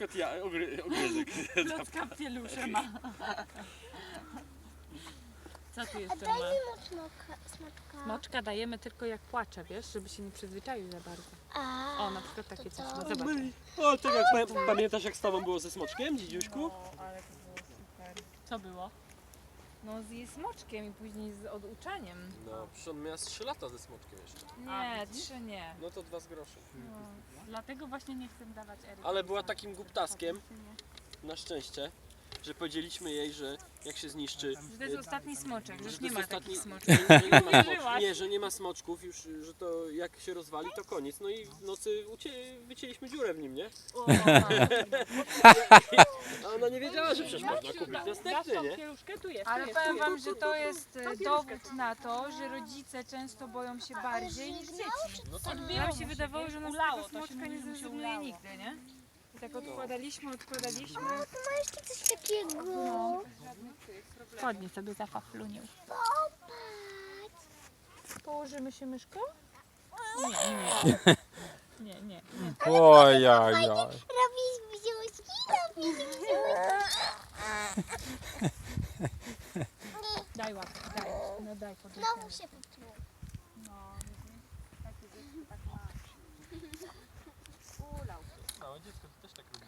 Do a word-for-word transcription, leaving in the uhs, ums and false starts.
przykład ja, ogry, ogryzek. Klocka pielusze ma. Co tu A jeszcze daj ma? mi mu smoka, smoczka. Smoczka dajemy tylko jak płacze, wiesz, żeby się nie przyzwyczaił za bardzo. A, O, na przykład takie to coś. co? No zobacz. O, tak jak pa- pamiętasz jak z tobą było ze smoczkiem, dzidziuśku? ale to było super. Co było? No z jej smoczkiem i później z oduczaniem. No, przecież on miał trzy lata ze smoczkiem jeszcze. Nie, trzy nie. No to dwa z groszem. No, dlatego właśnie nie chcę dawać Eryki. Ale była takim głuptaskiem, na szczęście, że powiedzieliśmy jej, że jak się zniszczy... Że to jest ostatni smoczek, że że już to nie jest ma ostatni- takich smoczków. że nie, ma Uwierzyłaś. smoczków, nie, że nie ma smoczków już, że to jak się rozwali to koniec. No i w nocy ucie, wycięliśmy dziurę w nim, nie? A ona nie wiedziała, że przecież można kupić następny, nie? Pieluszkę tu jest. Ale powiem wam, że to jest e, dowód na to, że rodzice często boją się bardziej niż dzieci. No tak. Nam się wydawało, że nas tego smoczka nie zrezygnuje nigdy, nie? I tak odkładaliśmy, odkładaliśmy. Ma jeszcze coś takiego. Spodnie sobie zafaflunił. Popatrz. Położymy się myszką? Nie, nie. Nie, nie, nie. Ojajaj. Robisz bziuszki, robisz bziuszki. Daj łapkę, daj. No daj podnieść. Znowu się popluł. No, takie dziecko tak ma. Ulał. Małe dziecko to też tak robi.